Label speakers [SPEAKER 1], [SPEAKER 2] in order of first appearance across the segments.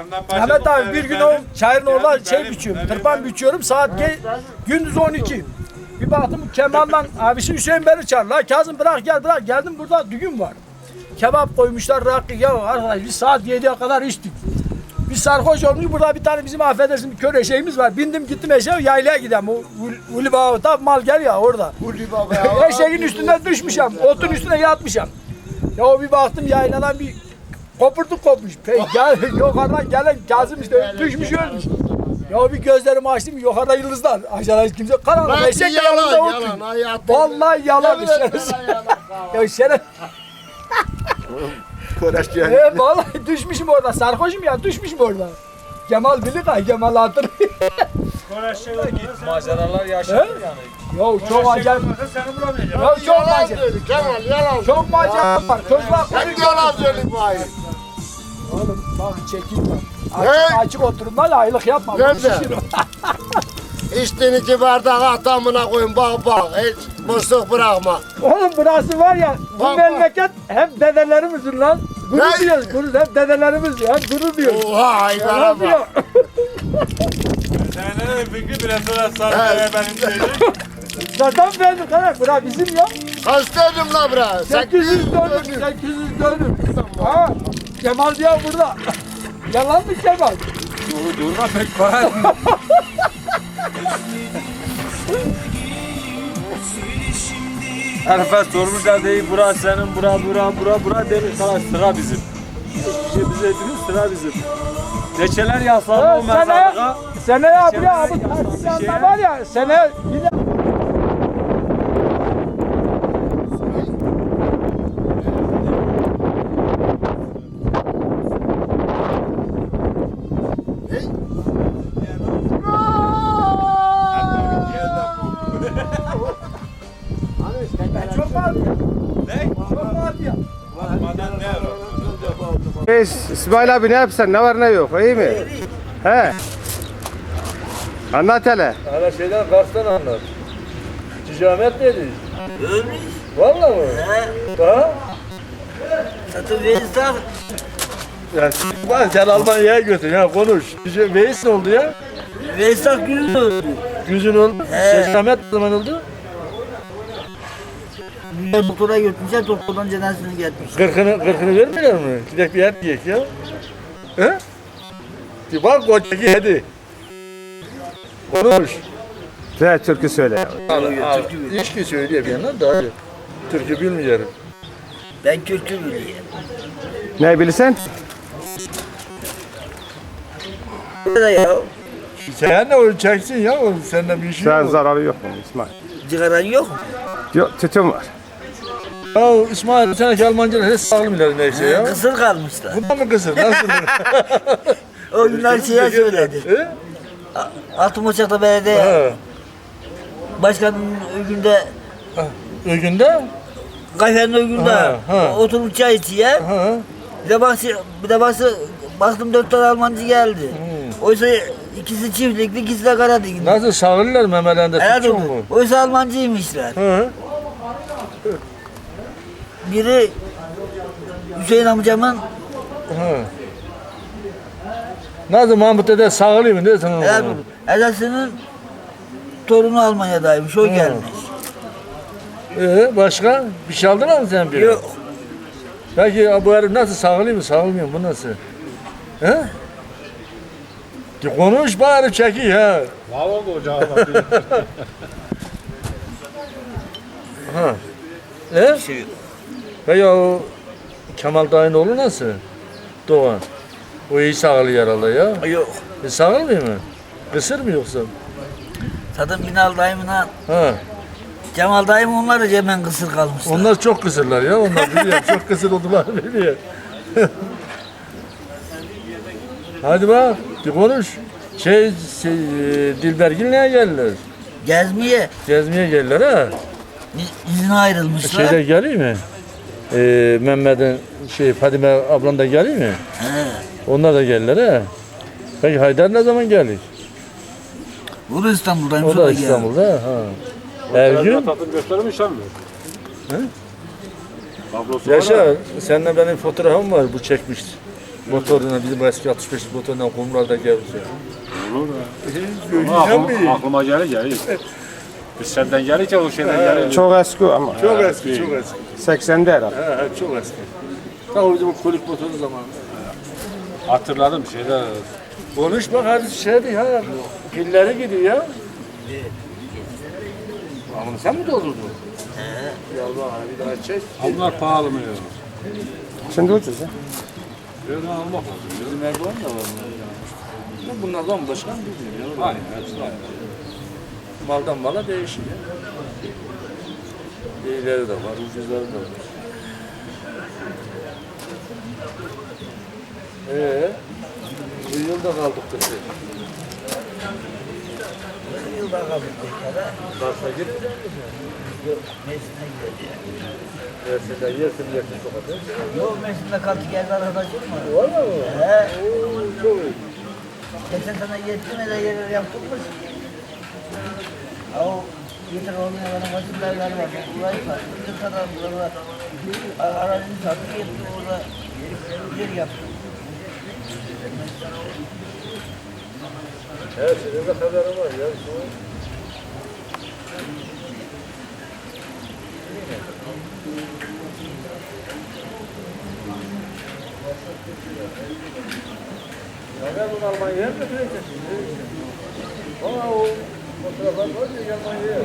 [SPEAKER 1] Mehmet abi bir gün o çayırın orada şey biçiyorum, tırpan biçiyorum, gündüz 12. Bir baktım Kemal'dan abisi Hüseyin beni çağırdı. La Kazım bırak gel bırak, geldim burada düğün var. Kebap koymuşlar, rakı, ya arkadaş biz saat 7'ye kadar içtik. Biz sarhoş olmuş, burada bir tane bizim affedersin bir kör eşeğimiz var. Bindim gittim eşeğe, yaylaya gidelim. O Uli Baba mal gel ya orada.
[SPEAKER 2] Uli Baba ya.
[SPEAKER 1] Eşeğin üstüne düşmüşüm, otun üstüne yatmışım. Ya bir baktım yayladan bir kopmuş. Yukarıdan gelen Kazım işte düşmüş ölmüş. Ya bir gözlerimi açtım, yukarıda yıldızlar. Aşağıda hiç kimse karanlık. Eşek de yanımda oturuyor. Vallahi yalan şerefsiz. Ya şeref. Vallahi düşmüşüm orada. Sarhoşum ya, düşmüşüm orada. Kemal bilir ha, Kemal hatırlıyor.
[SPEAKER 3] Maceralar yaşadım yani.
[SPEAKER 1] Ya çok acayip. Ya çok macera.
[SPEAKER 2] Kemal yalan.
[SPEAKER 1] Çok macera var. Çocuklar
[SPEAKER 2] Sen yalan söyleyeyim bari.
[SPEAKER 1] oğlum bak çekeyim bak.
[SPEAKER 2] Ne?
[SPEAKER 1] Açık oturun da aylık yapma.
[SPEAKER 2] Nerede? İçtiğin 2 bardak atamına koyun bak hiç boşluk bırakma.
[SPEAKER 1] Oğlum burası var ya, bu
[SPEAKER 2] Bak,
[SPEAKER 1] memleket hep dedelerimizin lan. Gurur diyoruz, gurur, hep dedelerimiz ya, gurur diyoruz.
[SPEAKER 2] Oha haydara bak.
[SPEAKER 3] Senin fikri bile sonra benim şeyim.
[SPEAKER 1] Zaten benim kadar, bura bizim ya.
[SPEAKER 2] Kaç dedim la bre?
[SPEAKER 1] 800 dönüm, 800 dönüm. Ha, Kemal diye burada. Yalan mı Kemal?
[SPEAKER 3] Durma pek var. Herifler sormuşlar değil, bura senin, bura demiş, sana sıra bizim. Hiçbir şey bize değil, sıra bizim. Reçeler yaslandı o mezarlığa.
[SPEAKER 1] Seneye abi ya, bu tartışanda var ya, seneye bir de... Çok var ya.
[SPEAKER 3] Ne?
[SPEAKER 1] Çok var ya.
[SPEAKER 3] Maden ne var?
[SPEAKER 4] İsmail abi ne yapsan, ne var ne yok, iyi mi? He. Anlat hele.
[SPEAKER 3] Hala şeyden Kars'tan anlat. Cicamet neydi?
[SPEAKER 5] Ölmüş.
[SPEAKER 3] Vallahi mı? Ha?
[SPEAKER 5] Satın verirsen
[SPEAKER 3] Ya sen Almanya'ya götür ya konuş. Veys ne oldu ya?
[SPEAKER 5] Veysel Gül'ün öldü.
[SPEAKER 3] Güzün oldu. Cicamet ne zaman oldu?
[SPEAKER 5] Doktora götürmüşler, doktordan cenazesini getirmiş.
[SPEAKER 3] Kırkını vermiyorlar mı? Gidek bir yer yiyek ya. He? Bir bak kocaki hadi. Konuş.
[SPEAKER 4] Sen türkü söyle.
[SPEAKER 3] İçki söylüyor bir yandan da hadi. Türkü bilmiyorum.
[SPEAKER 5] Ben Kürt'ü biliyorum.
[SPEAKER 4] Ne bilirsen?
[SPEAKER 5] Burada ya,
[SPEAKER 3] Sen de onu çeksin ya, senden bir şey
[SPEAKER 4] Sen
[SPEAKER 3] yok.
[SPEAKER 4] zararı yok mu İsmail?
[SPEAKER 5] cigaran yok mu?
[SPEAKER 4] Yok, tütün var.
[SPEAKER 3] Ya İsmail seneki Almancalar hiç sağlam ileri neyse ya.
[SPEAKER 5] Kısır kalmışlar.
[SPEAKER 3] Bundan mı kısır? Nasıl?
[SPEAKER 5] O günler şeye söyledi.
[SPEAKER 3] He?
[SPEAKER 5] Altımoçak'ta belediye
[SPEAKER 3] Ha.
[SPEAKER 5] başkanının ögünde,
[SPEAKER 3] Ögünde?
[SPEAKER 5] kafenin ögünde
[SPEAKER 3] Ha.
[SPEAKER 5] oturup çay içiyor.
[SPEAKER 3] Ha.
[SPEAKER 5] Bir de baktım 4 tane Almancı geldi. Oysa ikisi çiftlikli, ikisi de Karadeniz.
[SPEAKER 3] Nasıl sağırlar memelerinde
[SPEAKER 5] Evet,
[SPEAKER 3] tutun mu?
[SPEAKER 5] oysa Almancıymışlar.
[SPEAKER 3] Hı.
[SPEAKER 5] Biri Hüseyin amcamın
[SPEAKER 3] Hı. Nasıl Mahmut dede sağırıyor mu? Ne sana?
[SPEAKER 5] edasının torunu Almanya'daymış, o gelmiş.
[SPEAKER 3] Başka? Bir şey aldılar mı sen bir?
[SPEAKER 5] Yok.
[SPEAKER 3] Peki bu herif nasıl sağırıyor mu? Sağırmıyor mu? Bu nasıl? He? Konuş bari çeki ha.
[SPEAKER 2] Valla bu ocağı
[SPEAKER 3] Ha. E?
[SPEAKER 5] Şey yok.
[SPEAKER 3] Peki o Kemal dayının oğlu nasıl? Doğan. O iyi sağırıyor herhalde ya.
[SPEAKER 5] Yok.
[SPEAKER 3] Sağırmıyor mu? Kısır mı yoksa?
[SPEAKER 5] Zaten Binal dayımla
[SPEAKER 3] Ha.
[SPEAKER 5] Cemal dayım onlar da hemen kısır kalmışlar.
[SPEAKER 3] Onlar çok kısırlar ya. Onlar biliyorum. Çok kısır oldular biliyor. Hadi bak. Bir konuş. Dilbergil neye geldiler?
[SPEAKER 5] Gezmeye
[SPEAKER 3] Gezmeye geldiler ha.
[SPEAKER 5] izine ayrılmışlar.
[SPEAKER 3] Şeyler geliyor mu? Mehmet'in Fadime ablan da geliyor mu?
[SPEAKER 5] He.
[SPEAKER 3] Onlar da geldiler ha. Peki Haydar ne zaman gelir?
[SPEAKER 5] O da İstanbul'daymış,
[SPEAKER 3] O da İstanbul'da ha. Ergün.
[SPEAKER 6] Tatlı göstermiş mi?
[SPEAKER 3] He?
[SPEAKER 6] Tablosu var
[SPEAKER 3] Yaşar, seninle benim fotoğrafım var, bu çekmişti.
[SPEAKER 6] Motoruna bizim eski 65 motorundan kumlarda gelmiş ya.
[SPEAKER 3] Aklıma gelir. Biz senden gelince o şeyden gelir.
[SPEAKER 4] Çok eski ama.
[SPEAKER 6] Çok eski, çok eski.
[SPEAKER 4] 80'de herhalde.
[SPEAKER 6] He, çok eski. Tam bizim o kolik motoru zamanı.
[SPEAKER 3] Hatırladım şeyler.
[SPEAKER 6] Konuş bak hadi şeydi ha. Pilleri gidiyor ya. Ama sen mi doldurdun? Ya Allah bir daha çek.
[SPEAKER 3] Bunlar pahalı mı ya?
[SPEAKER 4] Şimdi ucuz ya.
[SPEAKER 3] Böyle almak lazım.
[SPEAKER 6] Bizim Erdoğan da var. Bunlardan başka mı bilmiyorum ya.
[SPEAKER 3] Aynen hepsi aynı.
[SPEAKER 6] Maldan mala değişiyor. İyileri de var, ucuzları da var. Bir yılda kaldık da şey.
[SPEAKER 5] Yılda kaldık tekrar.
[SPEAKER 6] Kars'a gitmeyecek misin?
[SPEAKER 5] Mersin'e gideceğiz.
[SPEAKER 6] Yersin sokakta.
[SPEAKER 5] Yok Mersin'de kaldı geldi arkadaşım var.
[SPEAKER 6] Valla mı?
[SPEAKER 5] He.
[SPEAKER 6] Çok iyi.
[SPEAKER 5] Geçen sene yetti mi de yerler yaptık mı? O yeter olmayan bana fasulyeler var. Burayı sattı. Bir kadar buralar. Arazini sattı. Yetti orada yer yaptı.
[SPEAKER 6] Evet, senin de haberin var ya. Ya ben bunu Almanya'ya mı götüreceksin? Valla o fotoğraflar var ya Almanya'ya.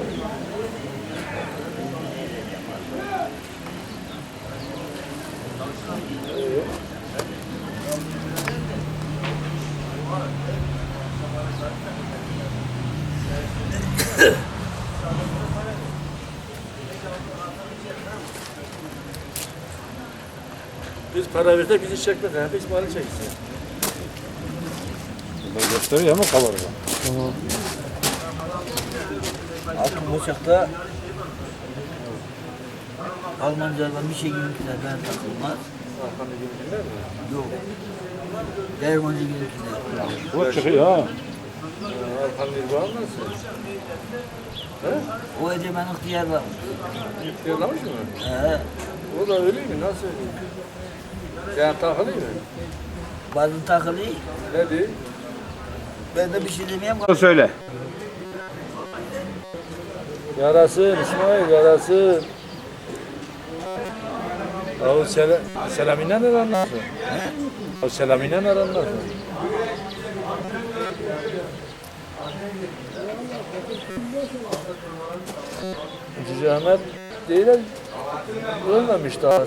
[SPEAKER 6] Biz para versek bizi çekmez. Biz malı çeksin.
[SPEAKER 3] Gösteriyor ama kalır.
[SPEAKER 5] Altın boşakta Almancadan bir şey gülüntüler ben takılmaz.
[SPEAKER 6] Arkamda gülünler mi?
[SPEAKER 5] Yok. Dermancı gülüntüler.
[SPEAKER 3] Bu çıkıyor ha.
[SPEAKER 6] Arkamda bir var nasıl?
[SPEAKER 5] O egemen ihtiyar var.
[SPEAKER 6] İhtiyarlamış mı?
[SPEAKER 5] He.
[SPEAKER 6] O da öyle mi? Nasıl öyle? Sen takılı mı?
[SPEAKER 5] Bazen takılı.
[SPEAKER 6] Ne diyor?
[SPEAKER 5] Ben de bir şey demeyeyim.
[SPEAKER 4] Söyle.
[SPEAKER 6] Yarasın İsmail, yarasın. O Selami'yle ne anlarsın? O Selami'yle ne anlarsın? Cici Ahmet değil, ölmemiş daha.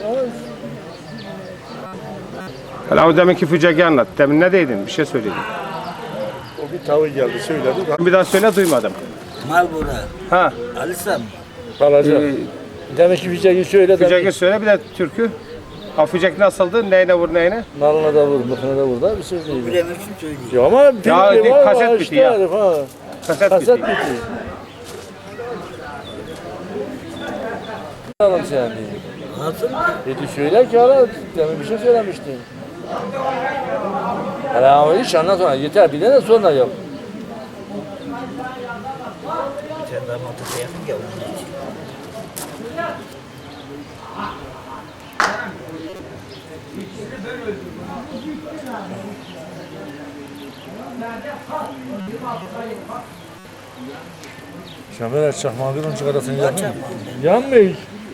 [SPEAKER 4] Hala o deminki fücegi anlat. Demin ne dedin? Bir şey söyledin.
[SPEAKER 6] O bir tavır geldi söyledi.
[SPEAKER 4] Bir daha söyle duymadım.
[SPEAKER 5] Malbora.
[SPEAKER 4] Ha.
[SPEAKER 5] Alisam.
[SPEAKER 6] Kalacak. Demek ki Fücek'i söyle.
[SPEAKER 4] Fücegi söyle bir de türkü. Ha fücek nasıldı? Neyine vur neyine?
[SPEAKER 6] Nalına da vur, mıkına da vur da bir söz değil.
[SPEAKER 5] Bilemek için söyleyeyim.
[SPEAKER 6] Ya ama filmi var
[SPEAKER 4] kaset
[SPEAKER 6] işte
[SPEAKER 4] biti ya.
[SPEAKER 6] herif ha.
[SPEAKER 4] Kaset
[SPEAKER 6] Kaset
[SPEAKER 4] biti.
[SPEAKER 6] biti. Alalım sen diye.
[SPEAKER 5] Nasıl?
[SPEAKER 6] Dedi söyle ki hala demin bir şey söylemiştin. Hala ama hiç anlat sonra yeter bir de sonra yap.
[SPEAKER 5] Sen daha mantıklı yakın ya onun için.
[SPEAKER 6] Şamer çakmağı bir çıkarasın yanmıyor. Yanmıyor.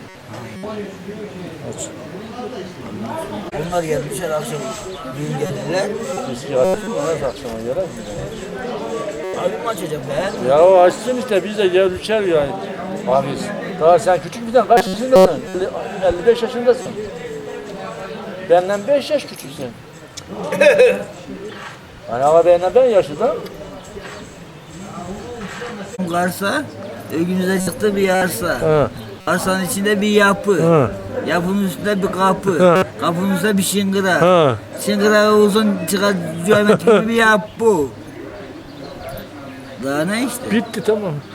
[SPEAKER 6] Aç.
[SPEAKER 5] Bunlar gelmişler akşam düğün gelirler.
[SPEAKER 6] Eski açsın ona akşama yarar mı?
[SPEAKER 5] Abim açacağım ben.
[SPEAKER 6] Ya o açsın işte biz de gel üçer yani. Abi daha sen küçük birden kaç yaşındasın? 55 yaşındasın. Benden 5 yaş küçüksün. Yani ama benden ben yaşlıdan.
[SPEAKER 5] Karsa, önümüze çıktı bir arsa.
[SPEAKER 6] Hı.
[SPEAKER 5] Arsanın içinde bir yapı.
[SPEAKER 6] Hı.
[SPEAKER 5] Yapının üstünde bir kapı.
[SPEAKER 6] Hı.
[SPEAKER 5] Kapının üstünde bir şıngıra.
[SPEAKER 6] Hı.
[SPEAKER 5] Şıngıra uzun çıkan geometrik bir yapı. Daha ne işte?
[SPEAKER 6] Bitti tamam.